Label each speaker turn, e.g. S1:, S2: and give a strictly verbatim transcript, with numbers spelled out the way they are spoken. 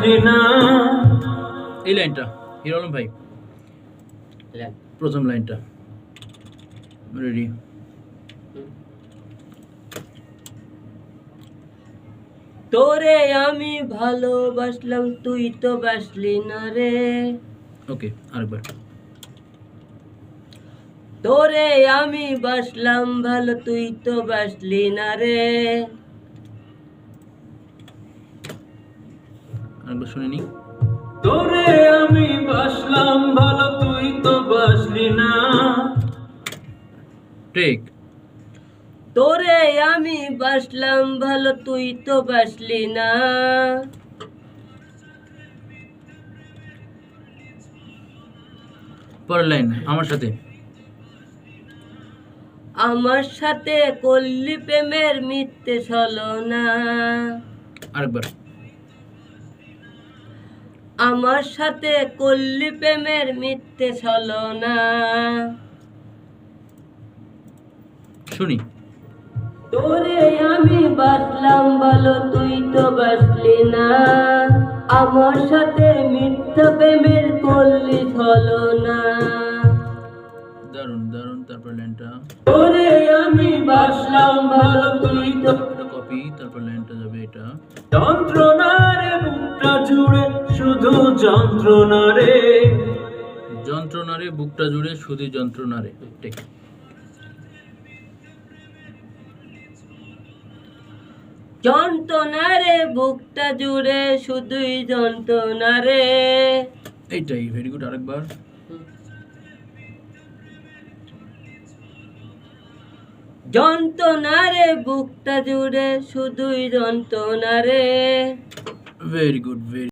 S1: বাসলি না।
S2: এই লাইনটা হিরো আলম ভাই, প্রথম লাইনটা রেডি।
S3: তোরে আমি ভালোবাসলাম তুই তো বাসলি না রে।
S2: ওকে আরেকবার।
S3: তোরে আমি বাসলাম ভালো তুই তো বাসলি না রে।
S2: আরেকবার শুনে নি।
S1: তোরে আমি বাসলাম ভালো তুই তো বাসলি না।
S2: টেক।
S3: তোরে আমি বাসলাম ভালো তুই তো বাসলি না।
S2: পরের লাইন আমার সাথে।
S3: আমার সাথে করলি প্রেমের মিথ্যে ছলনা।
S2: আরেকবার।
S3: আমার সাথে করলি প্রেমের মিথ্যে ছলনা।
S2: শুনি।
S3: তোরে আমি বাসলাম ভালো তুই তো বাসলি না। আমার সাথে মিথ্যা প্রেমের করলি ছলনা।
S2: দারুন দারুন। তারপর লাইনটা।
S3: তোরে আমি বাসলাম ভালো তুই তো।
S2: এটা কপি। তারপর লাইনটা যাবে এটা।
S1: যন্ত্রণারে বুকটা জুড়ে শুধু যন্ত্রণা রে।
S2: যন্ত্রণারে বুকটা জুড়ে শুধু যন্ত্রণারে। টেক।
S3: যন্ত্রণারে বুকটা জুড়ে শুধুই যন্ত্রণারে।
S2: এইটাই ভেরি গুড। আরেকবার।
S3: যন্ত্রণারে বুকটা জুড়ে শুধুই যন্ত্রণারে।
S2: Very good very